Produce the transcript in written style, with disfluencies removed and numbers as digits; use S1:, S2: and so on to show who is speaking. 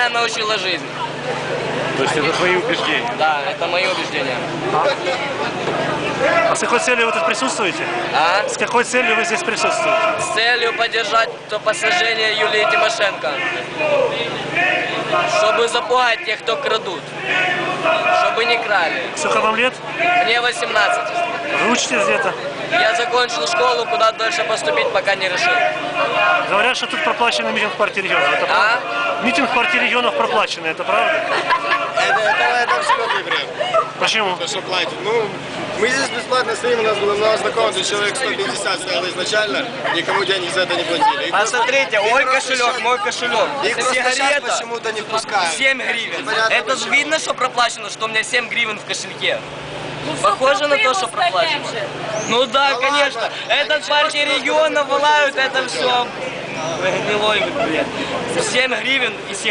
S1: меня научила жизнь.
S2: То есть это твои убеждения?
S1: Да, это мои убеждения.
S2: А с какой целью вы тут присутствуете?
S1: А?
S2: С какой целью вы здесь присутствуете?
S1: С целью поддержать посажение Юлии Тимошенко. Чтобы запугать тех, кто крадут. Чтобы не крали.
S2: Сколько вам лет?
S1: Мне 18.
S2: Вы учитесь где-то?
S1: Я закончил школу, куда дальше поступить, пока не решил.
S2: Говорят, что тут проплаченный митинг в партии регионов. Это правда? Митинг в партии регионов проплаченный, это правда?
S3: Это абсолютный бред.
S2: Почему?
S3: То, что платят. Ну, мы здесь бесплатно стоим, у нас было много знакомых, то есть человек 150 стояло изначально, никому денег за это не платили.
S1: Посмотрите, мой кошелек, мой кошелек.
S3: Их просто сейчас
S1: Сигарета
S3: почему-то не впускают.
S1: 7 гривен.
S3: Непонятно
S1: Это же
S3: почему.
S1: видно, что проплачено, что у меня 7 гривен в кошельке. Похоже на то, что проплачено. Ну да,
S3: Ну
S1: конечно.
S3: ладно.
S1: Этот партии регионов вылают, это все. Гнилой бред. 7 гривен и